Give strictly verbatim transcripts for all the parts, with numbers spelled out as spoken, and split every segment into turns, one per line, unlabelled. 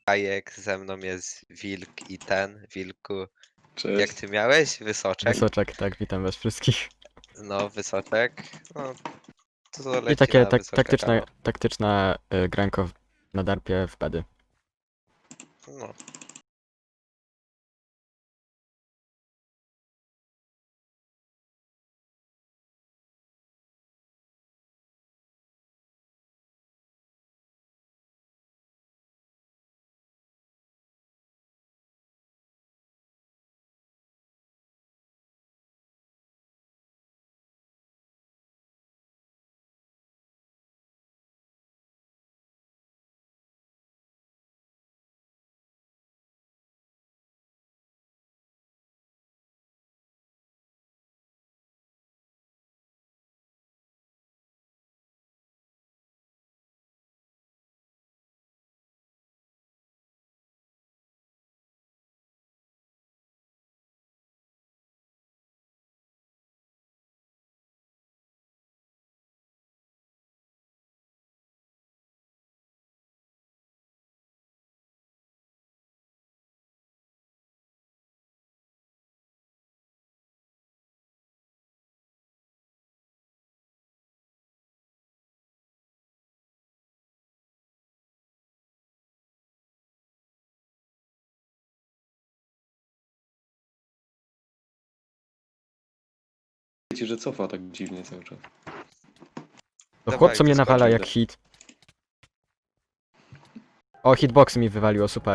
Kajek, ze mną jest Wilk i ten, Wilku. Jak
Cześć.
ty miałeś? Wysoczek?
Wysoczek, tak, witam was wszystkich.
No, Wysoczek. No, to
I
leci
takie
na
tak,
Wysoczeka,
taktyczne,
no.
taktyczne y, granko w- na darpie w pedy.
No.
Wiecie, że cofa tak dziwnie cały czas.
To
Dawaj,
chłop co mnie
wyskocz,
nawala
idę.
jak hit. O, hitbox mi wywaliło, super.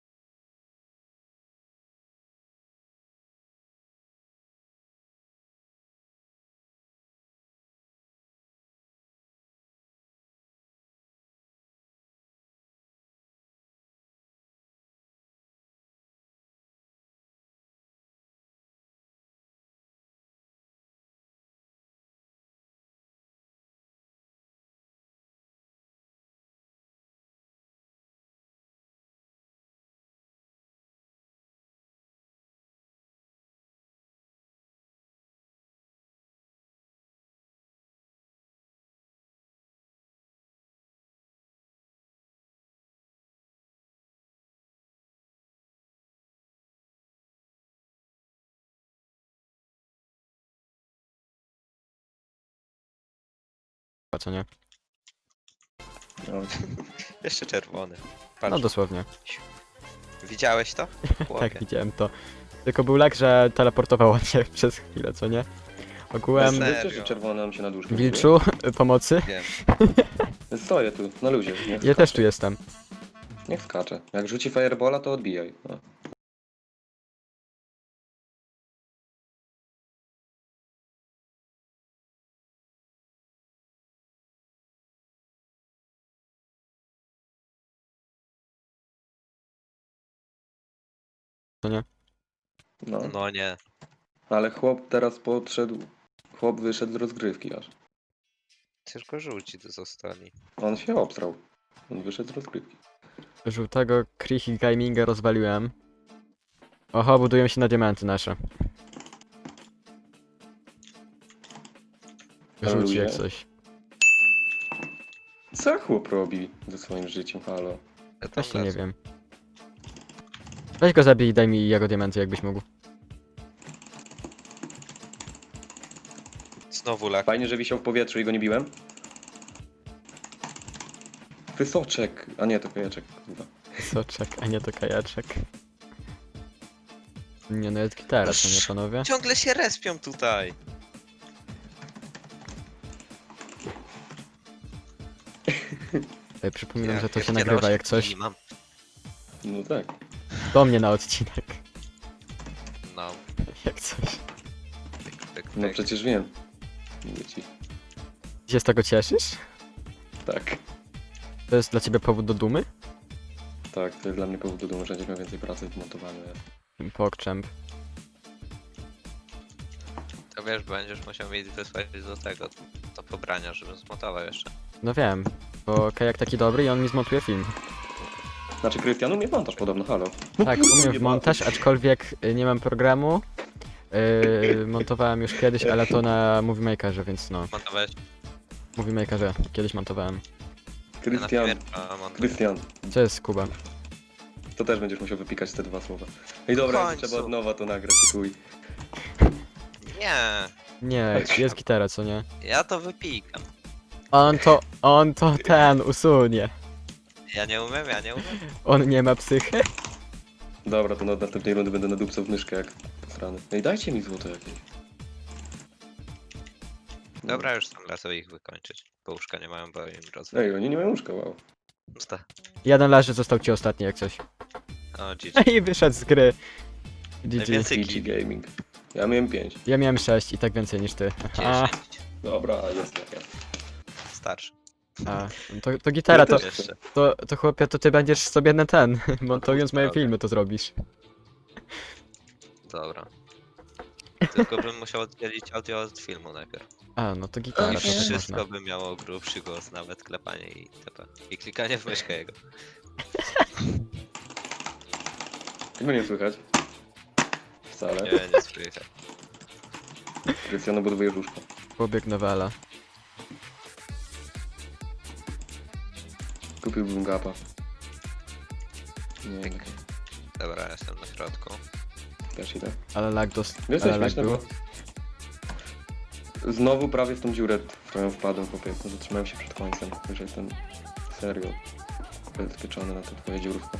A co nie?
No,
Jeszcze czerwony. Patrz,
No dosłownie.
widziałeś to?
Tak,
Chłopie.
widziałem to. Tylko był lag, że teleportowało się przez chwilę, co nie? Ogółem,
Serio?
wiecie, że czerwony nam się na duszkę
Wilczu, pomocy?
Wiem.
buduje? Stoję tu, na luzie. Niech
Ja
skacze.
też tu jestem.
Niech skacze. Jak rzuci firebola, to odbijaj. No.
Co nie?
No.
No nie.
Ale chłop teraz podszedł. Chłop wyszedł z rozgrywki aż.
Tylko żółci tu zostali.
On się obstrał. On wyszedł z rozgrywki.
Żółtego Krichy Gaminga rozwaliłem. Oho, budują się na diamenty nasze.
Na
Żółci
luzie.
jak coś.
Co chłop robi ze swoim życiem, halo?
Ja tam
Właśnie nie
lecę.
wiem. Weź go zabij i daj mi jego diamenty, jakbyś mógł.
Znowu lak.
Fajnie, że wisiał w powietrzu i go nie biłem. Wysoczek! A nie, to kajaczek. Kurwa.
Soczek, a nie to kajaczek. Nie no, jest gitara, co nie panowie?
Ciągle się respią tutaj.
Ej, przypominam,
Ja-
że to
ja
się
wcierałem
nagrywa jak coś.
i mam.
No tak.
Do mnie na odcinek.
No.
Jak coś.
Pyk, pyk,
No
pyk.
przecież wiem. Mówię ci.
Ty się z tego cieszysz?
Tak.
To jest dla ciebie powód do dumy?
Tak, to jest dla mnie powód do dumy, że będzie miał więcej pracy w montowaniu.
Pogchamp.
To wiesz, będziesz musiał mieć wysłać do tego, do pobrania, żebym zmontował jeszcze.
No wiem, bo kajak taki dobry i on mi zmontuje film.
Znaczy, Krystian umie montaż podobno, halo.
Tak, umiem w montaż, aczkolwiek y, nie mam programu. Yy, montowałem już kiedyś, ale to na Movie Makerze, więc no.
Montowałeś?
Movie Makerze kiedyś montowałem.
Ja na
Krystian,
Premiere, a montuję.
Krystian,
Co jest Kuba?
to też będziesz musiał wypikać te dwa słowa. Ej dobra,
W końcu.
trzeba od nowa to nagrać i chuj.
Nie,
Nie, jest gitara, co nie?
ja to wypikam.
On to, on to ten usunie.
Ja nie umiem, ja nie umiem.
On nie ma psychy.
Dobra, to na następnej rundy będę nadupcał w myszkę jak strany. Ej, dajcie mi złoto jakieś.
Dobra, już sam lecę ich wykończyć. Bo łóżka nie mają, bo im rozwój.
Ej, oni nie mają łóżka, wow.
Jeden leży, został ci ostatni jak coś.
O, G G.
I wyszedł z gry. G G.
Najwięcej
G G Gaming. Ja miałem pięć.
Ja miałem sześć i tak więcej niż ty. A,
dziesięć.
Dobra, jest jak ja.
Starszy.
a to, to gitara, to,
Ja też.
Jeszcze.
to, to chłopie, to ty będziesz sobie na ten, montując moje
Dobra.
filmy to zrobisz.
Dobra. Tylko bym musiał oddzielić audio od filmu najpierw.
A, no to gitara,
I
to też
wszystko
można.
by miało grubszy głos, nawet klepanie i itp. I klikanie w myszkę jego.
Tego nie słychać. Wcale.
Nie, nie słychać.
Krystiano buduje łóżko.
Pobieg nowela.
Kupiłbym gapa. Nie, nie.
Dobra, jestem na środku.
Też idę.
Ale lag dos...
Wiesz co
ale lag
śmieszne,
był.
bo znowu prawie w tą dziurę, w którą wpadłem, chłopie. No, zatrzymałem się przed końcem. Już jestem serio zabezpieczony na tę twoją dziurówkę.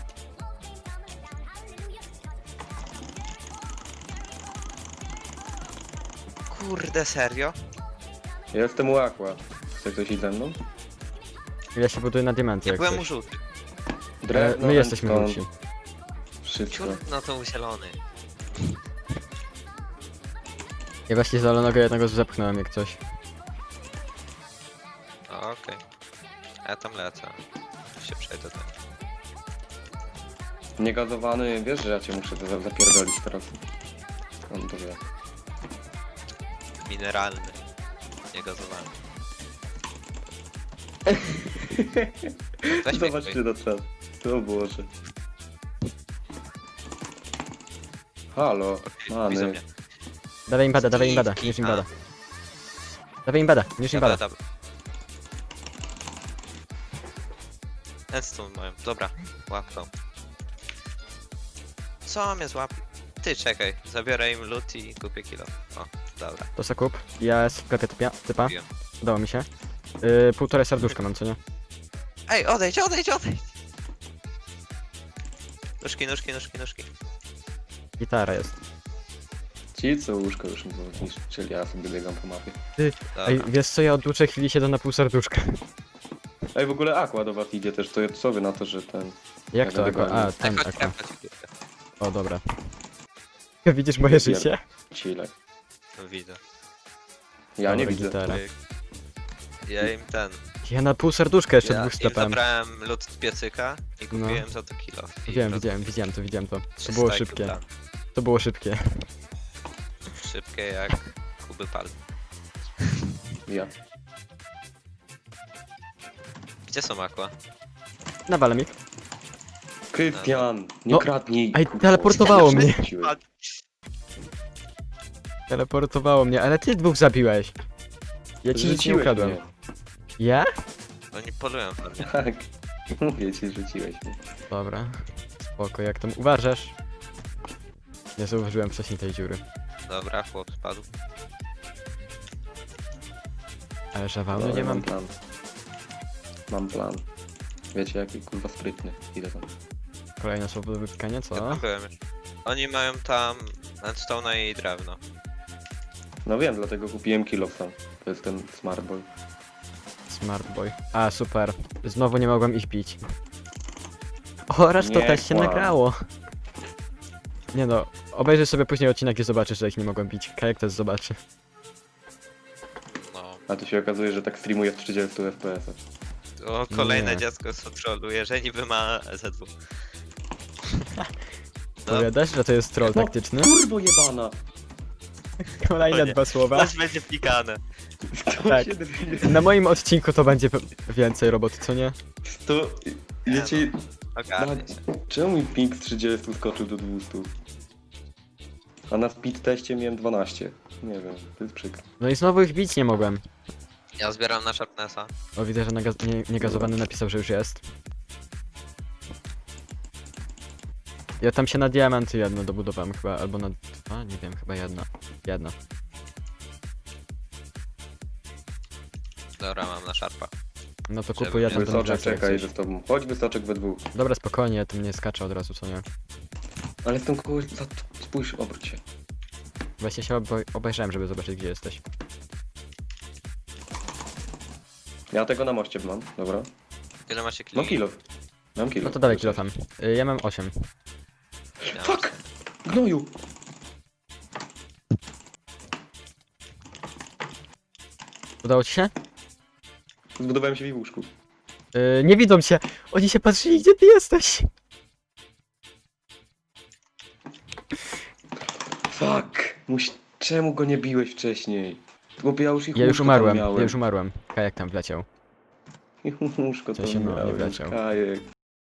Kurde, serio?
Ja jestem u Aqua. Chce ktoś iść ze mną?
Ja się buduję na diamenty
Ja
jak
byłem u
coś.
żółtych.
E,
Drewno,
my jesteśmy
redstone,
żółci.
Wszystko.
Ciut, no to u zielony.
Ja właśnie zalonego jednego zepchnąłem jak coś.
O, okej. A ja tam lecę. Się przejdę tam.
Niegazowany, wiesz, że ja cię muszę za- zapierdolić teraz. On to wie.
Mineralny. Niegazowany. Weź mnie
Zobaczcie
ktoś.
na czas. To Boże. Halo,
Okej, widzą
many.
mnie.
Dawaj im bada, dawaj im bada,
Skiki,
niż im
a.
bada. Dawaj im bada, niż im
Dobra,
bada.
dobra. Endstone mają. Dobra, łap to. Co mnie złap? Ty czekaj, zabiorę im loot i kupię kilo. O, dobra.
To se kup. Ja jest w sklepie typia, typa.
Wiem.
Udało mi się. Yy, półtorej serduszka mam, co nie?
Ej, odejdź, odejdź, odejdź! Nóżki, nóżki, nóżki, nóżki.
Gitara jest.
Ci co łóżko już mi było niszczyli, ja sobie biegam po mapie.
Dobra.
Ej, wiesz co, ja od dłuższej chwili siedzę na pół serduszka.
Ej, w ogóle Aqua do was idzie też, to co wy na to, że ten...
Jak to?
będę
Ako? A,
gonił.
ten
Ej, chodź,
ako.
chodź, chodź, chodź.
O, dobra. Widzisz moje życie?
Chile.
No widzę.
Ja nie
Dobra,
widzę.
gitara.
Pyk. Ja im ten.
Ja na pół serduszka jeszcze
Ja
dwóch
im
sklepem.
zabrałem loot z piecyka i
No.
kupiłem za to kilo. I
Wiem,
roz-
widziałem, widziałem to, widziałem to. To
trzysta
było
i
szybkie.
tam.
To było szybkie.
Szybkie jak Kuby Pal.
Ja.
Gdzie są aqua?
Nawalę mi.
Krystian, nie
No.
kradnij.
Ej,
kurwa.
teleportowało mnie.
Wróciłeś.
Teleportowało mnie, ale ty dwóch zabiłeś. Ja ci nic nie
Rzuciłeś
ukradłem.
mnie.
Ja?
Oni polują pewnie.
Tak. Mówię ci, rzuciłeś mnie.
Dobra. Spoko, jak tam uważasz? Nie zauważyłem wcześniej tej dziury.
Dobra, chłop spadł.
Ale żawału
Dobra,
nie mam.
plan. Mam plan. Wiecie jaki kurwa sprytny. Idę tam.
Kolejne słowo do wypikania,
Ja
co?
tam byłem już. Oni mają tam endstone'a i drewno.
No wiem, dlatego kupiłem kilo sam. To jest ten smart boy.
Smart boy. A, super. Znowu nie mogłem ich bić. Oraz to
Nie
też się
kłam.
nagrało. Nie no, obejrzyj sobie później odcinek, gdzie zobaczysz, że ich nie mogłem bić. Kajak też zobaczy.
No.
A tu się okazuje, że tak streamuje w trzydziestu F P S-ach.
O, kolejne
Nie.
dziecko z patrolu, że niby ma Z dwa. No,
Powiadasz, że to jest troll
No,
taktyczny?
Kurwo jebana!
Kolejne
O nie.
dwa słowa.
coś będzie pikane.
Tak. Na moim odcinku to będzie pe- więcej roboty, co nie?
To... Wiecie...
Ogarnie się.
Czemu mi ping z trzydziestu skoczył do dwustu? A na speed teście miałem dwanaście. Nie wiem, to jest przykre.
No i znowu ich bić nie mogłem.
Ja zbieram na Sharpnessa.
O, widzę, że nagaz- nie- niegazowany napisał, że już jest. Ja tam się na diamenty jedno dobudowałem chyba, albo na dwa, nie wiem, chyba jedna. Jedna.
Dobra, mam na szarpa.
No to
Żeby
kupuj, ja tam do
Wysoczek,
Nigrasa jak
czekaj,
coś.
idę z tobą. Chodź Wysoczek we dwóch.
Dobra, spokojnie, ja tam nie skaczę od razu, co nie?
Ale jestem kogoś... za- Spójrz, obróć się.
Właśnie się oboj- obejrzałem, żeby zobaczyć, gdzie jesteś.
Ja tego na moście mam, dobra.
Ile macie kili?
Mam kilo. Mam kilo.
No to dawaj kilofem. Y, Ja mam osiem.
Ja mam-
Fuck! Gnoju!
Udało ci się?
Zbudowałem się w łóżku.
Y, nie widzą cię! Oni się patrzyli, gdzie ty jesteś!
Fuck! Muś... Czemu go nie biłeś wcześniej? Bo ja już ich
Ja już
łóżko tam
umarłem,
miałem.
ja już umarłem. Kajak tam wleciał.
Ich łóżko
W
tam
sensie, no, nie
miałem.
wleciał.
Kajek.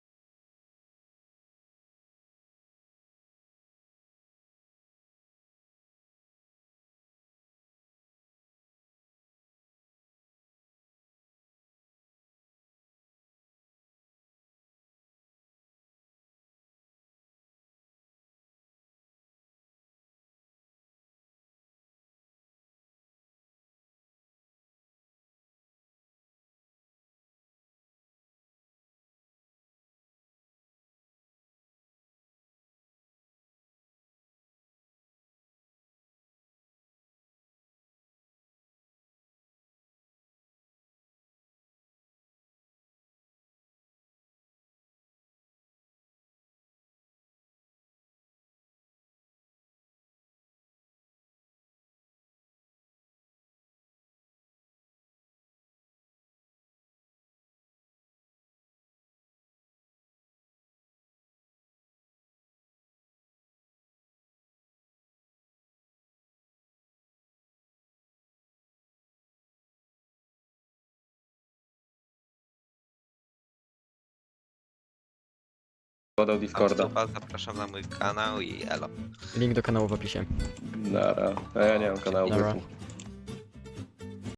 Podał Discorda.
Super, zapraszam na mój kanał i elo.
Link do kanału w opisie.
Nara. A ja nie mam kanału.
Dobra.
powiedzmy.